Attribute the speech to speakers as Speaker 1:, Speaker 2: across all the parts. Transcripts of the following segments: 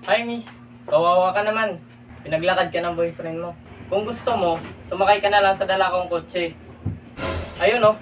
Speaker 1: Hi miss, kawawa ka naman. Pinaglakad ka ng boyfriend mo. Kung gusto mo, sumakay ka na lang sa dala kong kotse. Ayun oh.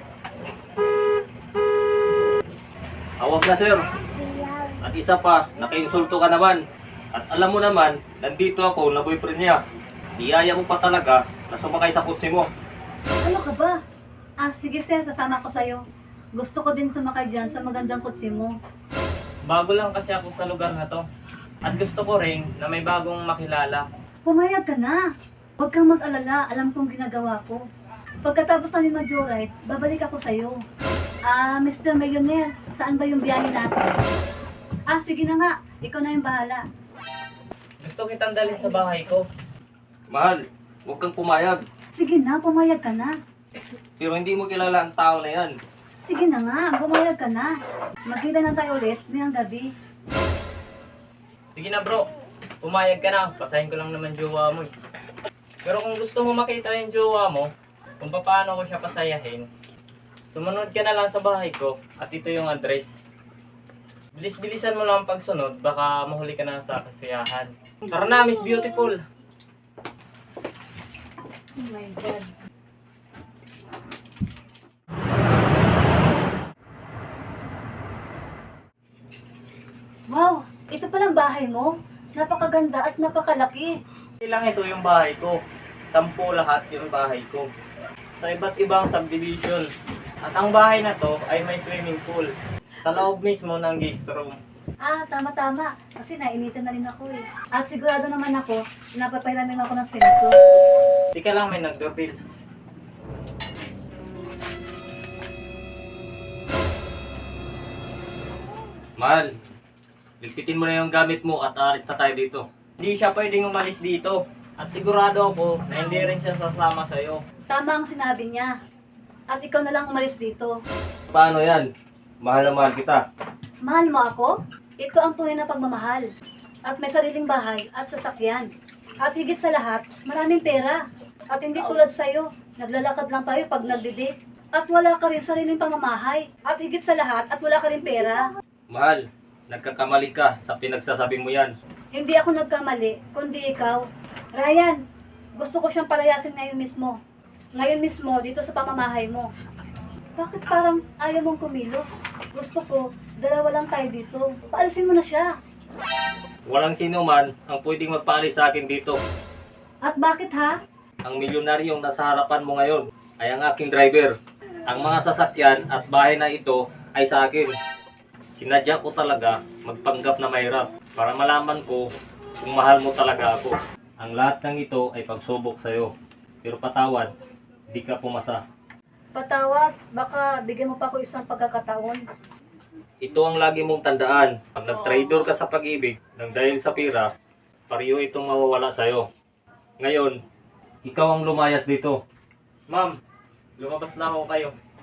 Speaker 2: Awag na sir. At isa pa, nakainsulto ka naman. At alam mo naman, nandito ako na boyfriend niya. Iyaya mo pa talaga na sumakay sa kotse mo.
Speaker 3: Ano ka ba? Sige sir, sasama ko sa'yo. Gusto ko din sumakay dyan sa magandang kotse mo.
Speaker 1: Bago lang kasi ako sa lugar na to. At gusto ko rin na may bagong makilala.
Speaker 3: Pumayag ka na. Huwag kang mag-alala, alam kong ginagawa ko. Pagkatapos namin mag-joyride, babalik ako sa'yo. Mr. Millionaire, saan ba yung biyahe natin? Sige na nga, ikaw na yung bahala.
Speaker 1: Gusto kitang dalhin sa bahay ko.
Speaker 2: Mahal, huwag kang pumayag.
Speaker 3: Sige na, pumayag ka na.
Speaker 2: Pero hindi mo kilala ang tao na yan.
Speaker 3: Sige na nga, pumayag ka na. Magkita na tayo ulit ngayong gabi.
Speaker 1: Sige na bro, pumayag ka na. Pasahin ko lang naman jowa mo eh. Pero kung gusto mo makita yung jowa mo, kung paano ko siya pasayahin, sumunod ka na lang sa bahay ko at ito yung address. Bilis-bilisan mo lang ang pagsunod, baka mahuli ka na sa kasiyahan. Tara na, Miss Beautiful!
Speaker 3: Oh my God. Wow, ito palang bahay mo. Napakaganda at napakalaki.
Speaker 1: Hindi lang ito yung bahay ko. 10 lahat yung bahay ko. Sa iba't ibang subdivision. At ang bahay na to ay may swimming pool. Sa loob mismo ng guest room.
Speaker 3: Tama-tama. Kasi nainitan na rin ako eh. At sigurado naman ako, napapahiramin ako ng swimsuit.
Speaker 1: Tika lang, may nag-doorbell.
Speaker 2: Mahal, ligpitin mo na yung gamit mo at aalis na tayo dito.
Speaker 1: Hindi siya pwedeng umalis dito. At sigurado ako na hindi rin siya sasama sa'yo.
Speaker 3: Tama ang sinabi niya. At ikaw na lang umalis dito.
Speaker 2: Paano yan? Mahal na mahal kita.
Speaker 3: Mahal mo ako? Ito ang tunay na pagmamahal. At may sariling bahay at sasakyan. At higit sa lahat, maraming pera. At hindi tulad sa'yo, naglalakad lang tayo pag nagdi-date. At wala ka rin sariling pamamahay. At higit sa lahat, at wala ka rin pera.
Speaker 2: Mahal, nagkakamali ka sa pinagsasabi mo yan.
Speaker 3: Hindi ako nagkamali, kundi ikaw. Ryan, gusto ko siyang palayasin ngayon mismo. Ngayon mismo, dito sa pamamahay mo. Bakit parang ayaw mong kumilos? Gusto ko, dalawa lang tayo dito. Paalisin mo na siya.
Speaker 2: Walang sino man ang pwedeng magpaalis sa akin dito.
Speaker 3: At bakit ha?
Speaker 2: Ang milyonaryong nasa harapan mo ngayon ay ang aking driver. Ang mga sasakyan at bahay na ito ay sa akin. Sinadya ko talaga magpanggap na mahirap para malaman ko kung mahal mo talaga ako. Ang lahat ng ito ay pagsubok sa'yo. Pero patawad, di ka pumasa.
Speaker 3: Patawad, baka bigyan mo pa ako isang pagkakataon.
Speaker 2: Ito ang lagi mong tandaan. Pag nag-traitor ka sa pag-ibig nang dahil sa pira, pariyo itong mawawala sa'yo. Ngayon, ikaw ang lumayas dito.
Speaker 1: Ma'am, lumabas na ako kayo.